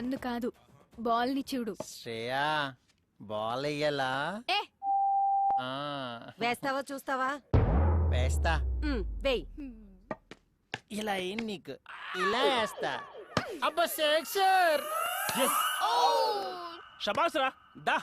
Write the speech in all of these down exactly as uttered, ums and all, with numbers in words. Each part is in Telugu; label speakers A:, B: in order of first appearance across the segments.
A: నన్ను కాదు, బాల్ ని చూడు.
B: శ్రేయా బాల్ వెయ్యాలా?
A: ఏ
C: వేస్తావా చూస్తావా?
B: వేస్తా.
C: వేయ్.
B: ఇలా ఏం నీకు ఇలా వేస్తా. అబ్బా సెక్సర్.
D: శబాస్ రా దా.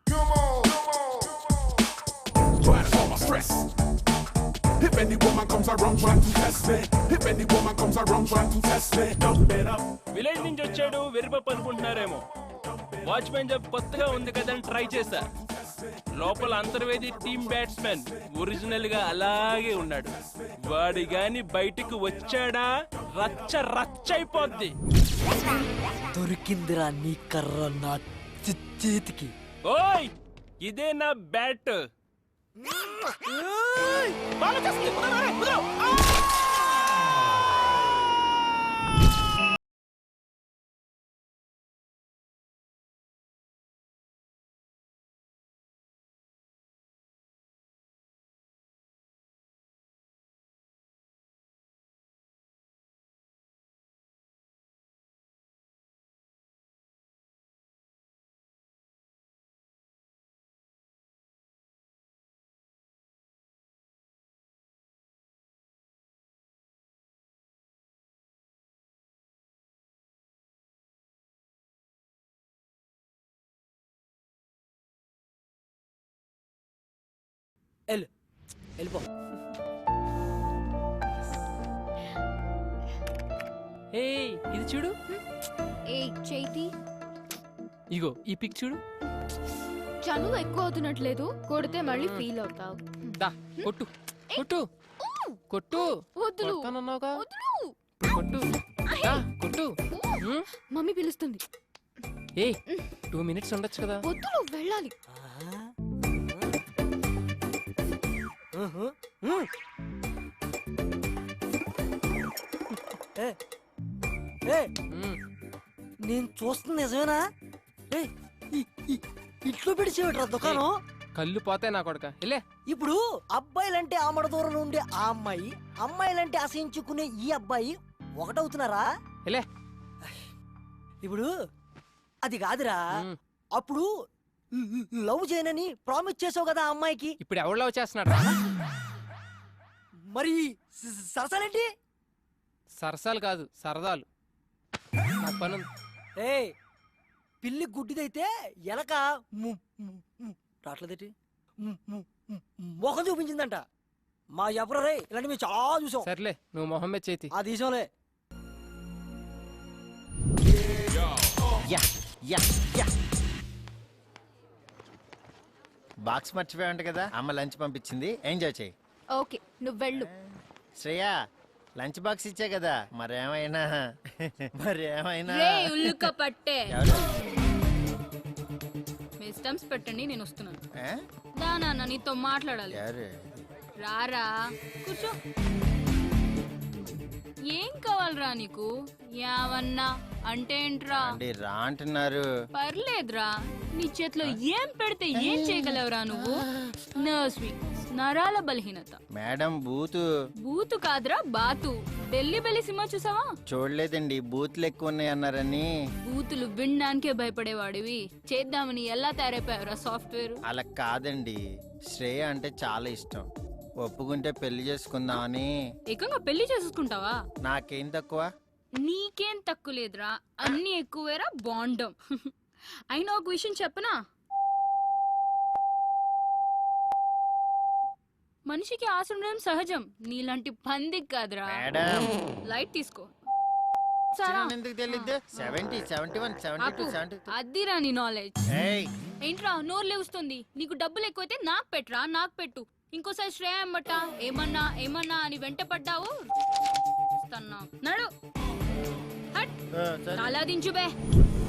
E: If any woman comes around trying to test me, if any woman comes around trying to test me, dump it up.
D: Village నుంచి వచ్చాడు వెరిపప్పు అనుకుంటున్నారేమో. వాచ్మెన్ జాబ్ కొత్తగా ఉంది కదని ట్రై చేశా. లోపల అంతర్వేది టీమ్ బ్యాట్స్మెన్ ఒరిజినల్ గా అలాగే ఉన్నాడు. వాడి గాని బయటికి వచ్చాడా రచ్చ రచ్చ అయిపోద్ది.
F: దొరికిందిరా నీ కర్ర నా చేతికి.
D: ఓయ్ ఇదే నా బ్యాట్.
F: వెళ్ళు వెళ్ళిపో.
G: ఏయ్ ఇది చూడు.
A: ఏ చైతి,
G: ఇగో ఈ పిక్ చూడు.
A: చనువు ఎక్కువ అవుతున్నట్లేదు, కొడితే మళ్ళీ ఫీల్ అవుతావు.
G: దా కొట్టు కొట్టు కొట్టు.
A: వద్దులు
G: కొడతానన్నావుగా,
A: వద్దులు.
G: కొట్టు దా కొట్టు. ఉమ్,
A: మమ్మీ పిలుస్తుంది.
G: ఏయ్ టూ మినిట్స్ ఉండొచ్చు కదా.
A: వద్దులు, వెళ్ళాలి.
G: ఉమ్,
F: నేను చూస్తుంది నిజమేనా? ఏయ్, ఈ- ఈ- ఇట్లో పెడిచేవట్రా దుకాణం.
G: కళ్ళు పోతాయి నా కొడక. వెళ్ళే.
F: ఇప్పుడు అబ్బాయిలంటే ఆమడ దూరం ఉండే ఆ అమ్మాయి, అమ్మాయిలంటే అసహించుకునే ఈ అబ్బాయి ఒకటవుతున్నారా?
G: వెళ్ళే.
F: ఇప్పుడు అది కాదురా,
G: ఉమ్,
F: అప్పుడు లవ్ చేయనని ప్రామిస్ చేసావు కదా ఆ అమ్మాయికి.
G: ఇప్పుడు ఎవరు లవ్ చేస్తున్నాడు?
F: మరి స- సరసాలేంటి?
G: సరసాలు కాదు సరదాలు. నాకు పని ఉంది.
F: ఏ పిల్లి గుడ్డిదైతే ఎలక ము- ము- ము- రాట్లేదేటి ము- ము- ము- మొహం చూపించిందంట. మా ఎవరు రే ఇలాంటి మేము చాలా చూసాం.
G: సర్లే నువ్వు మొహమ్మద్ చేతి.
F: ఆ తీసాంలే.
B: Yeah yeah yeah. బాక్స్ మర్చిపోయావంట కదా, అమ్మ లంచ్ పంపించింది, ఎంజాయ్ చేయి.
A: ఓకే నువ్వు వెళ్ళు.
B: శ్రేయా లంచ్ బాక్స్ ఇచ్చా కదా, మరేమైనా మరేమైనా
H: రే ఉల్లుక పట్టే
B: ఎవరు?
H: మీ స్టంప్స్ పెట్టండి, నేను వస్తున్నాను.
B: ఏ?
H: దా నాన్న నీతో మాట్లాడాలి.
B: ఎవరు?
H: రారా కూర్చో. ఏం కావాలరా నీకు? యావన్నా అంటే ఏంట్రా?
B: అండి రా అంటున్నారు.
H: పర్లేదురా, నీ చేతిలో ఏం పెడితే ఏం చేయగలవురా నువ్వు? నర్స్ వీక్నెస్, నరాల బలహీనత.
B: మేడం బూతు.
H: బూతు కాదురా బాతు. ఢిల్లీ బెల్లి సినిమా చూసావా?
B: చూడలేదండి, బూతులు ఎక్కువ ఉన్నాయి అన్నారని.
H: బూతులు వినడానికే భయపడేవాడివి చేద్దామని ఎలా తయారైపోయావురా సాఫ్ట్వేర్?
B: అలా కాదండి, శ్రేయ అంటే చాలా ఇష్టం, ఒప్పుకుంటే పెళ్లి చేసుకుందామని.
H: ఏకంగా పెళ్లి చేసుకుంటావా?
B: నాకేం తక్కువ?
H: నీకేం తక్కువ లేదురా, అన్ని ఎక్కువేరా బాండం. అయినా ఒక విషయం చెప్పనా, మనిషికి ఆశ ఉండడం సహజం, నీలాంటి పందికి కాదురా.
B: మేడం
H: లైట్ తీసుకో.
B: ఎందుకు తెలియదు? Seventy seventy one seventy two seventy two.
H: అద్దిరా నీ నాలెడ్జ్. ఏంట్రా నోరు లేవుస్తుంది? నీకు డబ్బులు ఎక్కువైతే నాకు పెట్టురా, నాకు పెట్టు. ఇంకోసారి శ్రేయ అమ్మట ఏమన్నా ఏమన్నా అని వెంట పడ్డావు నడు. హట్, తలా దించు బే.